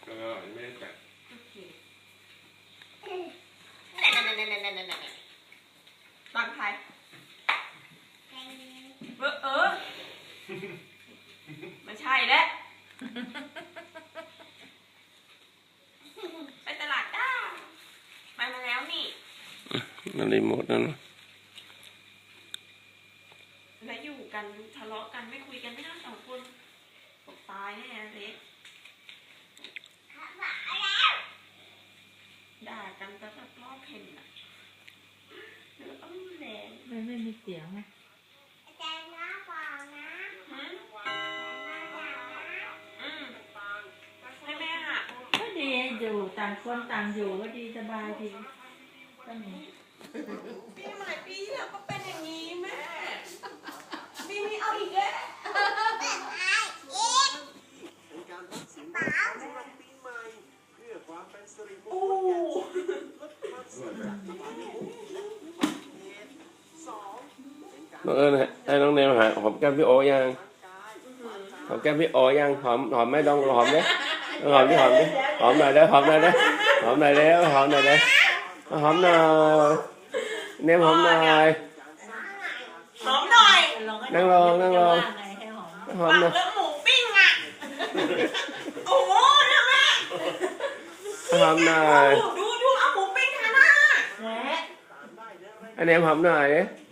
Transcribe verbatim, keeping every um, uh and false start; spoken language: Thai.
ก็ไม่ได้จัดตังไทยเออเออไม่ใช่แล้วไปตลาดจ้าไปมาแล้วนี่นั่นรีโมทนั่นแล้วอยู่กันทะเลาะกันไม่คุยกันไม่ทั้งสองคนตกตายแน่เล็กด่ากันแต่แบบรอบเห็นอ่ะแล้วก็ไม่แรงไม่ไม่มีเสียงไหมให้แม่หาก็ดีอยู่ต่างคนต่างอยู่ก็ดีสบายดีก็มีปีใหม่ปีที่แล้วก็เป็นอย่างนี้แม่ปีนี้เอาอีกแล้วโอ้น้องเอิญให้น้องเนมหาหอมแก้มพี่โอยังหอมแก้มพี่โอยังหอมหอมไม่ต้องหอมเด้หอมดิหอมดิหอมหน่อยเด้หอมหน่อยเด้หอมหน่อยเด้หอมหน่อยเด้หอมหน่อยเนมหอมหน่อยหอมหน่อยนั่งลงนั่งลงหอมหน่อยเรื่องหมูปิ้งอ่ะโอ้โหนะแม่หอมหน่อยดูดูเอาหมูปิ้งทาหน้าอันเนมหอมหน่อย